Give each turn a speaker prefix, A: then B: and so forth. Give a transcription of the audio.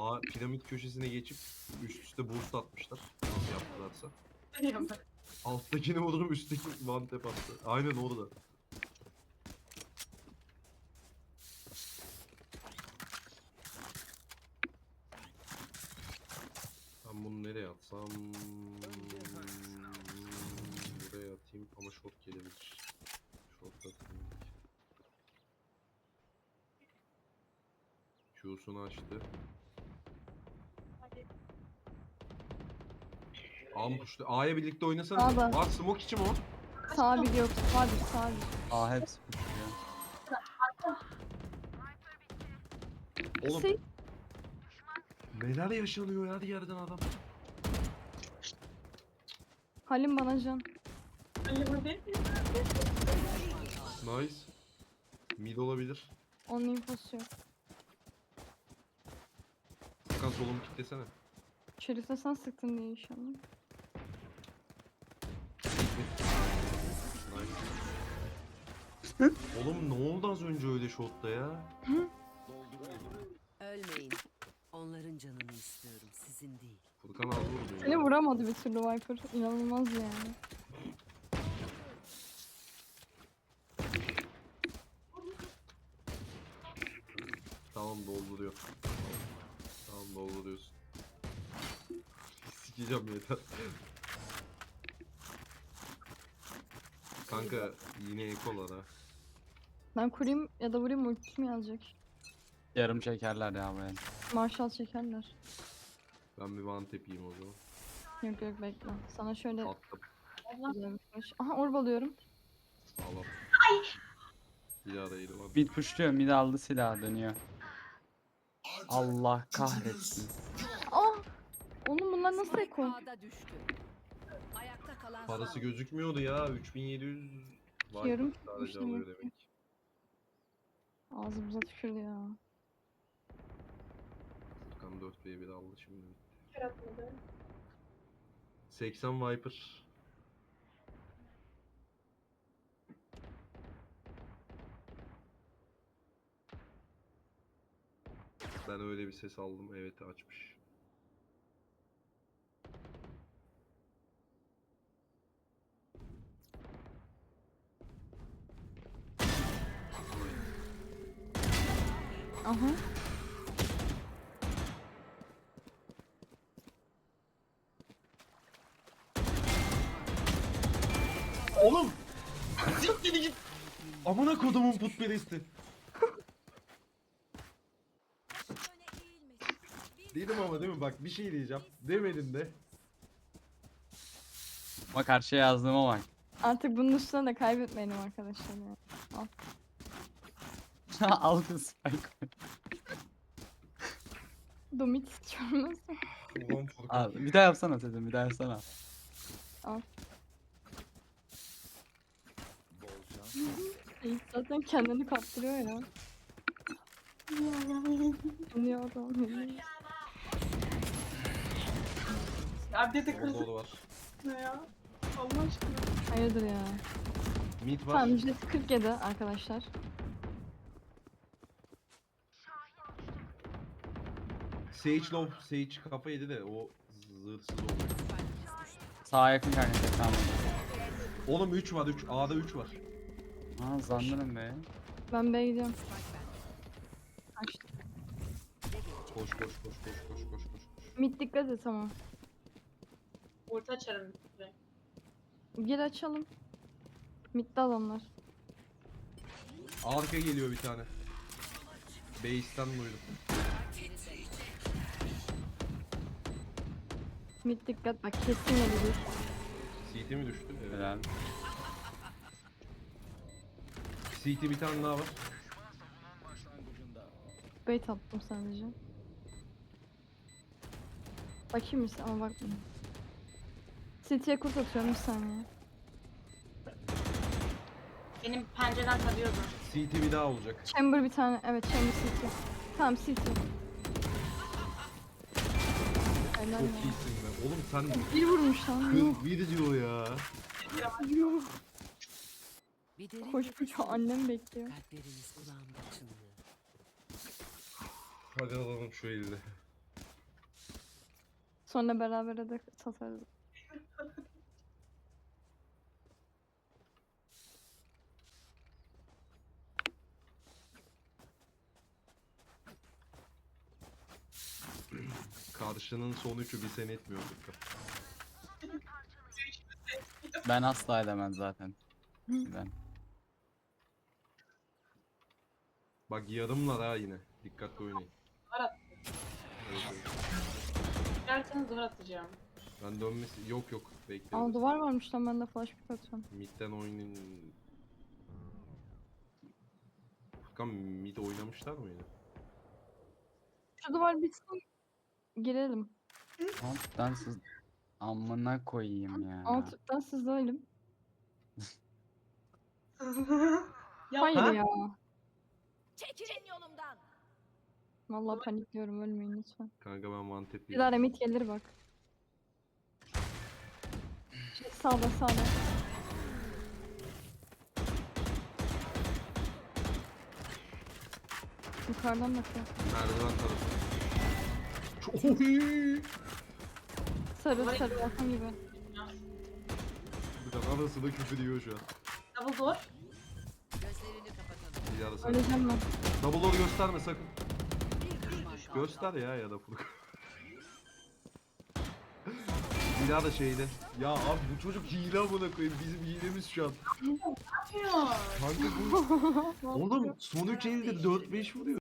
A: Piramit köşesine geçip üst üste boost atmışlar. Nasıl yaptılarsa. Alttakini vururum, üstteki one tap attı. Aynen orada. Ben bunu nereye atsam? Buraya atayım ama short gelebilir. Short atayım. Q'sunu açtı. Ampuşlu. A'ya birlikte oynasanız.
B: A'da.
A: Var smoke içi mi o?
B: Sağ bir yok. Sağ bir sağ bir.
C: Aa hepsi pushluyor.
A: Oğlum
B: Şey,
A: neler yaşanıyor ya, her yerden adam.
B: Halim bana can.
A: Nice. Mid olabilir.
B: Onun infosu yok.
A: Hakan solumu kilitlesene.
B: Şerif'e sen sıktın diye inşallah.
A: Nice. Oğlum ne oldu az önce öyle shotta ya?
D: Ölmeyin. Onların canını istiyorum, sizin değil.
A: Furkan az vurdu
B: Seni
A: ya.
B: vuramadı bir türlü Viper. İnanılmaz yani.
A: Tamam dolduruyor. Tamam dolduruyorsun. Sikeceğim yeter. Kanka yine ekolar ha.
B: Ben kurayım ya da vurayım, ultim yazacak.
C: Yarım çekerler ya böyle.
B: Marshall çekerler.
A: Ben bir one tap yiyeyim o zaman.
B: Yok yok bekle. Sana şöyle
A: Attım.
B: güzel bir flash. Aha orb alıyorum.
A: Sağlam. Bir ara eğri var.
C: Mid pushluyor, mid aldı silahı dönüyor. Allah kahretsin.
B: Aa! Oğlum bunlar nasıl
D: Spike
B: eko?
D: A'da düştü. Ayakta kalan
A: Parası
D: son.
A: gözükmüyordu ya. 3700 var.
B: Yarım
A: Sadece
B: tutmuş
A: alıyor
B: demek ki.
A: demek.
B: Ağzımıza tükürdü ya.
A: Furkan 4v1 aldı şimdi. 80 Viper. Ben öyle bir ses aldım. Evet açmış.
B: Aha.
A: Oğlum! Siktir git! Amına kodumun putperesti. Dedim ama değil mi? Bak bir şey diyeceğim. Demedim de.
C: Bak karşıya yazdığıma bak.
B: Artık bunun üstüne de kaybetmeyelim arkadaşlar ya. Al.
C: Al kız spike.
B: Domit istiyorum nasıl?
A: Ulan Furkan.
C: Al, bir daha yapsana dedim, bir daha yapsana.
B: Al. Yiğit zaten kendini kaptırıyor ya. Ne adam ne?
E: Ya bir de
A: Orada
E: kızı
A: o da var.
E: ne ya? Allah aşkına.
B: Hayırdır ya.
A: Mid var.
B: Tamam jet 47 arkadaşlar.
A: Sage low. Sage kafa yedi de o zırhsız oldu.
C: Sağa yakın kanka, tamam.
A: Oğlum 3 var 3. A'da 3 var.
C: Ha zannırım be.
B: Ben B'ye gidiyorum. Açtım.
A: Koş koş koş koş koş koş koş.
B: Mid dikkat et ama.
E: Orta açarım. direkt.
B: Gir açalım. Mid'de adamlar.
A: Arka geliyor bir tane. Base'ten duydum.
B: Mid dikkat bak kesin gelir.
A: CT mi düştü? Evet.
C: Helal.
A: CT bir tane daha var.
B: Bait attım sadece. Bakayım mısın ama bakmayayım. City'ye kurt atıyorum bir saniye.
E: Benim pencereden tarıyordu.
A: CT bir daha olacak.
B: Chamber bir tane. Evet Chamber City. Tamam City. Helal
A: Çok
B: ya.
A: iyisin be. Oğlum sen
B: Bir vurmuş lan. Yuh.
A: kız bir diyor ya.
B: Yuh.
D: Bir derin
B: Koş
D: nefes
B: koş
D: alın.
B: annem bekliyor.
D: Kalpleriniz kulağımda çınlıyor.
A: Hadi alalım şu elde.
B: Sonra beraber de satarız.
A: Karşının son üçü bir sene etmiyorduk.
C: Ben asla edemem zaten. Ben.
A: Bak yarımlar ha yine. Dikkatli oynayın.
E: Duvar at.
A: Evet, evet.
E: Derseniz duvar atacağım.
A: Ben dönmesi... Yok yok.
B: Aa
A: Bekleriz.
B: duvar varmış lan, ben de flash pick atıyorum.
A: Mid'den oynayın. Furkan mid oynamışlar mı yine?
B: Şu duvar bitsin. Girelim.
C: Alttan sız... Amına koyayım ya.
B: Alttan sızlayalım.
E: Ya
B: Hayır
A: Ha?
B: ya.
F: Çekilin yolumdan.
B: Vallahi panikliyorum, ölmeyin lütfen.
A: Kanka ben one tap
B: Bir
A: yedim.
B: daha remit gelir bak. Sağda sağda. Yukarıdan bakıyor.
A: Merdiven tarafı. Oy!
B: Sarı sarı yakın gibi.
A: Bir de anasını küfür ediyor şu an.
E: double door.
D: Gözlerini kapatalım.
A: Bir ara sen.
B: Öleceğim ben.
A: Double door gösterme sakın.
D: Bir düşman kaldı.
A: Göster ya da Furkan. Bir daha da şeyde. Ya abi bu çocuk hile amına koyayım. Bizim hilemiz şu an.
E: Yapıyor.
A: Kanka bu. Oğlum son 3 elde 4-5 vuruyor.